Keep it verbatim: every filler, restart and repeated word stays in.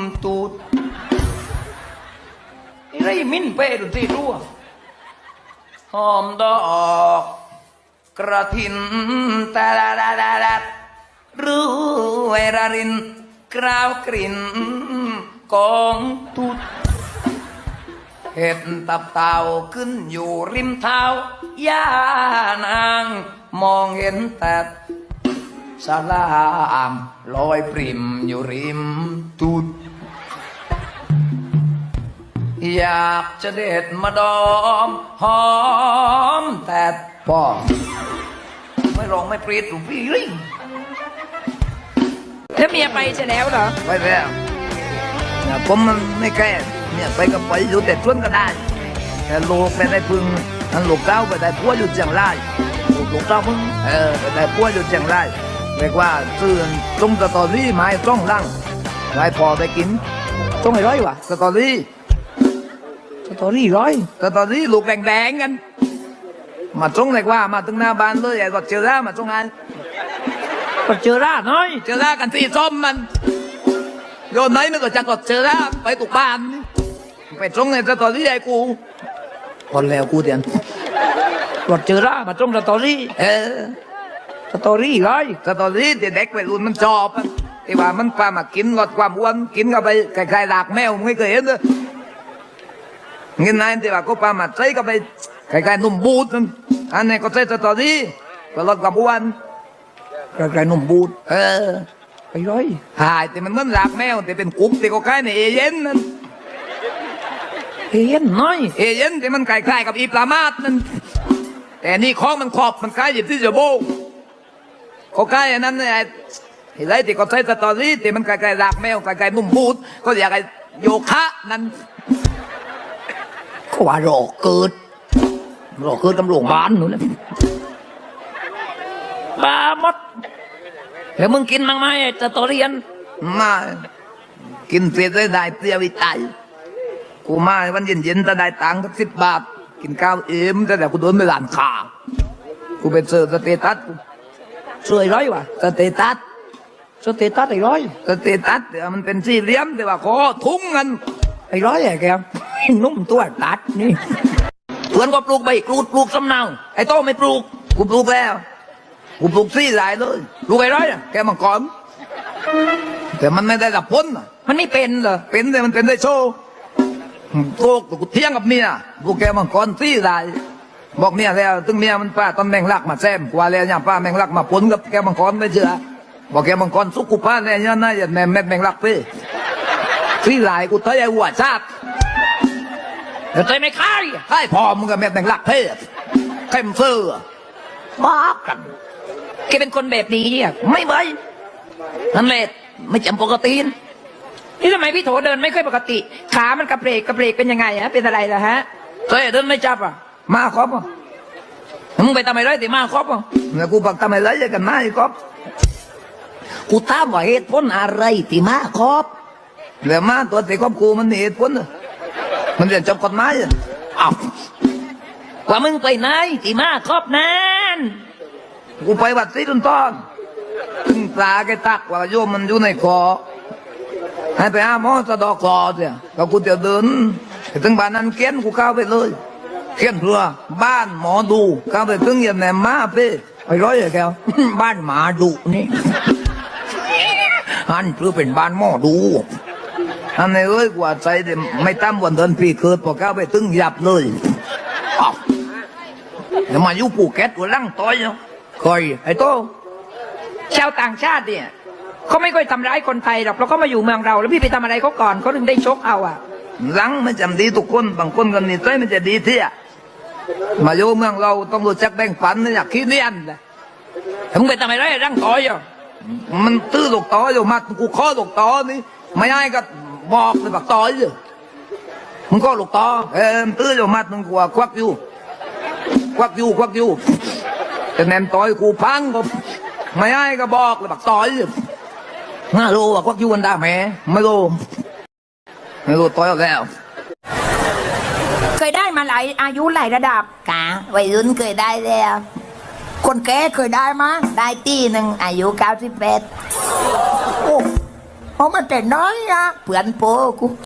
ตูดไรมิ้นเป้ดูสิรู้หอมดอกกระถินตาดาดาดาดารู้เวรารินกราวกลิ่นกองตูดเห็ดตับเต่าขึ้นอยู่ริมเท้าย่านางมองเห็นแต่สลามลอยปริมอยู่ริมตูดอยากจะเด็ดมาดอมหอมแต่พ่อไม่ร้องไม่ปรีดหรือพี่ลิงแล้วเมียไปจะแล้วเหรอไปแล้วเนี่ยผมมันไม่แก้เนี่ยไปก็ไปอยู่แต่ชวนก็ได้แต่ลูกไปได้พึ่งนั่นลูกเต้าไปได้พัวอยู่เชียงรายลูกลูกเต้าพึ่งเออไปได้พัวอยู่เชียงรายเรียกว่าซื้อตรงสตอรี่ไม้จ้องร่างไว้พอได้กินจ้องไอ้ร้อยวะสตอรี่สตอรี่ร้อยสตอรี่ลูกแดงๆกันมาจ้องเรียกว่ามาถึงหน้าบ้านเลยไอ้ก็เจอร่ามาจ้องไงก็เจอร่าน้อยเจอร่ากันสีส้มมันโยนไหนมันก็จะกดเจอร่าไปตุกบ้านไปจ้องในสตอรี่ไอ้กูคนแล้วกูเดียนกดเจอร่ามาจ้องสตอรี่เออสตอรี่ร้อยสตอรี่เด็กวัยรุ่นมันชอบที่ว่ามันพามากินลดความอ้วนกินเข้าไปคล้ายๆหลากแมวไม่เคยเห็นเลยเงินนายที่ว่าก็พามาใช้เข้าไปคล้ายๆนุ่มบูดนั่นอันนี้ก็ใช้สตอรี่ก็ลดความอ้วนคล้ายๆนุ่มบูดเออไปร้อยหายแต่มันเหมือนหลากแมวแต่เป็นกุ๊กที่ก็คล้ายในเอเย่นนั่นเอเย่นน้อยเอเย่นที่มันคล้ายๆกับอีปลามาดนั่นแต่นี่ของมันขอบมันคล้ายหยิบที่จะโบเขาใกล้อันนั้นไอ้ไอ้ไรที่เขาใช้สตอรี่ที่มันไกลๆรากแมวไกลๆนุ่มบูดก็อยากไอ้โยคะนั้นเขาว่าโรคเกิดโรคเกิดกำลังบ้านหนูนะบ้าหมดแล้วมึงกินมั้งไหมสตอรี่อันมากินเสร็จได้เตี้ยวิตัยกูมาวันเย็นๆจะได้ตังค์สักสิบบาทกินข้าวเอ็มแต่แต่กูโดนไปหลานขากูเป็นเซอร์สเตตัสสวยร้อยวะสเตตัสสเตตัสไอ้ร้อยสเตตัสเดี๋ยวมันเป็นสี่เหลี่ยมแต่ว่าคอทุ่งเงินไอ้ร้อยไอ้แกนุ่มตัวตัดนี่เพื่อนก็ปลูกใบกรูดปลูกสำเนาไอ้โตไม่ปลูกกูปลูกแล้วกูปลูกสี่หลายเลยปลูกไอ้ร้อยแกมังกรแต่มันไม่ได้กับพ้นมันไม่เป็นเหรอเป็นแต่มันเป็นได้โชว์โตกูเที่ยงกับเมียกูแกมังกรสี่หลายบอกเมียแล้วตึงเมียมันป้าตอนแมงลักมาแซมกว่าแล้วเนี่ยป้าแมงลักมาปนกับแกมังกรไม่เชื่อบอกแกมังกรสุกุป้าเนี่ยเนี่ยน่าจะแม่แม่แมงลักพี่ที่หลายกูเทยหัวชาติแต่ใจไม่ค่ายให้พอมึงกับแม่แมงลักพี่เข้มเสื้อบ้ากันแกเป็นคนแบบนี้เนี่ยไม่ไหวนั่นแหละไม่จำปกตินี่ทำไมพี่โถเดินไม่ค่อยปกติขามันกระเพลกกระเพลกเป็นยังไงฮะเป็นอะไรล่ะฮะเฮ้ยเดินไม่จับอ่ะมาครบอ่ะมึงไปทำไมไรแต่มาครบอ่ะเนี่ยกูบอกทำไมไรกันมาอีกครบกูถามว่าเหตุผลอะไรที่มาครบเรื่องมาตัวที่ครอบกูมันเหตุผลมันเรียนจบกฎหมายอ่ะอ้าวว่ามึงไปไหนที่มาครบนั่นกูไปวัดศรีตุนตอนถึงตาแกตักว่าโยมมันอยู่ในคอให้ไปหาหมอสะดอกคอเนี่ยก็กูจะเดินถึงบ้านนั้นเกี้ยนกูเข้าไปเลยเขียนเพื่อบ้านหมอดูเข้าไปถึงยันแหนมาเป้ไอ้ร้อยแกวบ้านหมาดูนี่อันเพื่อเป็นบ้านหมอดูอันนี้เอ้ยกว่าใจไม่ตั้มวันเดินปีเกิดพอเข้าไปถึงหยับเลยเดี๋ยวมาอยู่ปูแก๊สกูลั่งต้อยเนาะคอยไอ้โตชาวต่างชาติเนี่ยเขาไม่ค่อยทำร้ายคนไทยหรอกเราก็มาอยู่เมืองเราแล้วพี่ไปทำอะไรเขาก่อนเขาถึงได้ชกเอาอ่ะหลังไม่จำดีทุกคนบางคนกันนี่ใจมันจะดีเที่ยมาอยู่เมืองเราต้องรู้จักแบ่งปันนะอยากขี้เนียนเลยถึงไปทำอะไรร่างต่อยอ่ะมันตื้อลูกต่ออยู่มากูข้อลูกต่อนี่ไม่ให้ก็บอกเลยบักต่อยอยู่มึงก็ลูกต่อเออตื้ออยู่มามึงกลัวควักอยู่ควักอยู่ควักอยู่แต่แนมต่อยกูพังก็ไม่ให้ก็บอกเลยบักต่อยอยู่น่ารู้ว่าควักอยู่กันได้ไหมไม่รู้ไม่รู้ต่อยแล้วเคยได้มาหลายอายุหลายระดับกะวัยรุ่นเคยได้แล้วคนแก่เคยได้มาได้ตีหนึ่งอายุเก้าสิบแปดโอ้เพราะมันแต่น้อยอะเพื่อนโปกู